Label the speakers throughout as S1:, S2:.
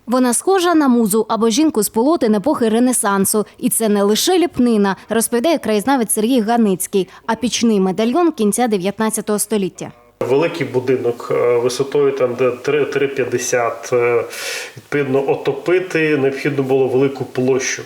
S1: Вона схожа на музу або жінку з полотен епохи Ренесансу. І це не лише ліпнина, розповідає краєзнавець Сергій Ганицький, а пічний медальйон кінця 19 століття.
S2: Великий будинок висотою там 3,50, відповідно, отопити необхідно було велику площу.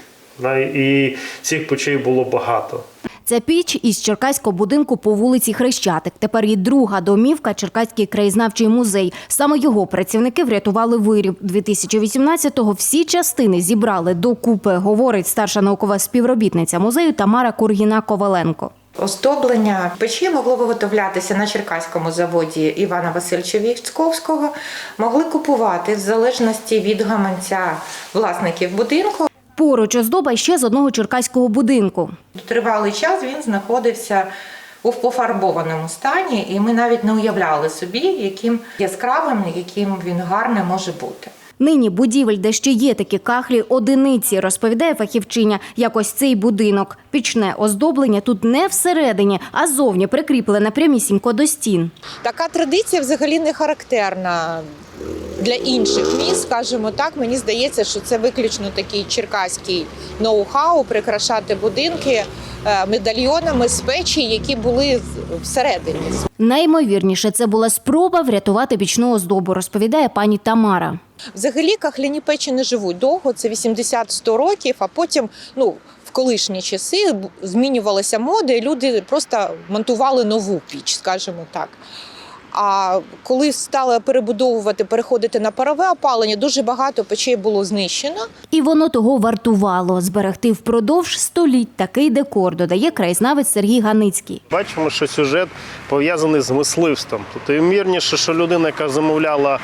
S2: І цих печей було багато.
S1: Ця піч із черкаського будинку по вулиці Хрещатик. Тепер її друга домівка – Черкаський краєзнавчий музей. Саме його працівники врятували виріб. 2018-го всі частини зібрали докупи, говорить старша наукова співробітниця музею Тамара Кургіна-Коваленко.
S3: Оздоблення печі могло виготовлятися на черкаському заводі Івана Васильовича Військовського, могли купувати в залежності від гаманця власників будинку.
S1: Поруч оздоба ще з одного черкаського будинку.
S3: Тривалий час він знаходився у пофарбованому стані, і ми навіть не уявляли собі, яким яскравим, яким він гарним може бути.
S1: Нині будівель, де ще є такі кахлі, одиниці, розповідає фахівчиня. Якось цей будинок. Пічне оздоблення тут не всередині, а ззовні прикріплене прямісінько до стін.
S4: Така традиція взагалі не характерна для інших міст, скажімо так. Мені здається, що це виключно такий черкаський ноу-хау – прикрашати будинки медальйонами з печі, які були всередині.
S1: Найімовірніше, це була спроба врятувати пічну оздобу, розповідає пані Тамара.
S4: Взагалі кахляні печі не живуть довго, це 80-100 років, а потім, в колишні часи змінювалася мода і люди просто монтували нову піч, скажімо так. А коли стали перебудовувати, переходити на парове опалення, дуже багато печей було знищено. І
S1: воно того вартувало – зберегти впродовж століть такий декор, додає краєзнавець Сергій Ганицький.
S2: Бачимо, що сюжет пов'язаний з мисливством. Тобто, ймовірніше, що людина, яка замовляла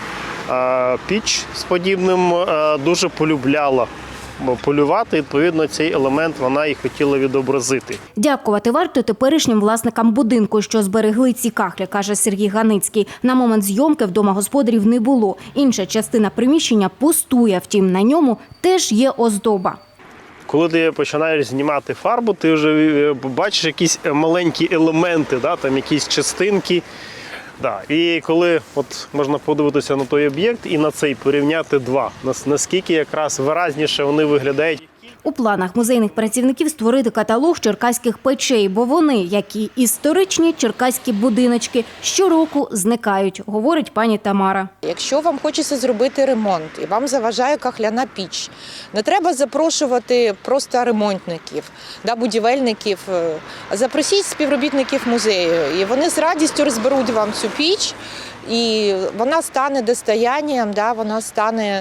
S2: піч з подібним, дуже полюбляла полювати, відповідно, цей елемент вона і хотіла відобразити.
S1: Дякувати варто теперішнім власникам будинку, що зберегли ці кахлі, каже Сергій Ганицький. На момент зйомки вдома господарів не було. Інша частина приміщення пустує, втім на ньому теж є оздоба.
S2: Коли ти починаєш знімати фарбу, ти вже бачиш якісь маленькі елементи, там якісь частинки. І коли можна подивитися на той об'єкт і на цей порівняти два, наскільки якраз виразніше вони виглядають.
S1: У планах музейних працівників створити каталог черкаських печей, бо вони, як і історичні черкаські будиночки, щороку зникають, говорить пані Тамара.
S4: Якщо вам хочеться зробити ремонт і вам заважає кахляна піч, не треба запрошувати просто ремонтників, будівельників. Запросіть співробітників музею, і вони з радістю розберуть вам цю піч, і вона стане достоянням, вона стане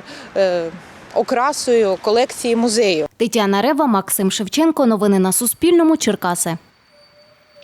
S4: окрасою колекції музею.
S1: Тетяна Рева, Максим Шевченко. Новини на Суспільному. Черкаси.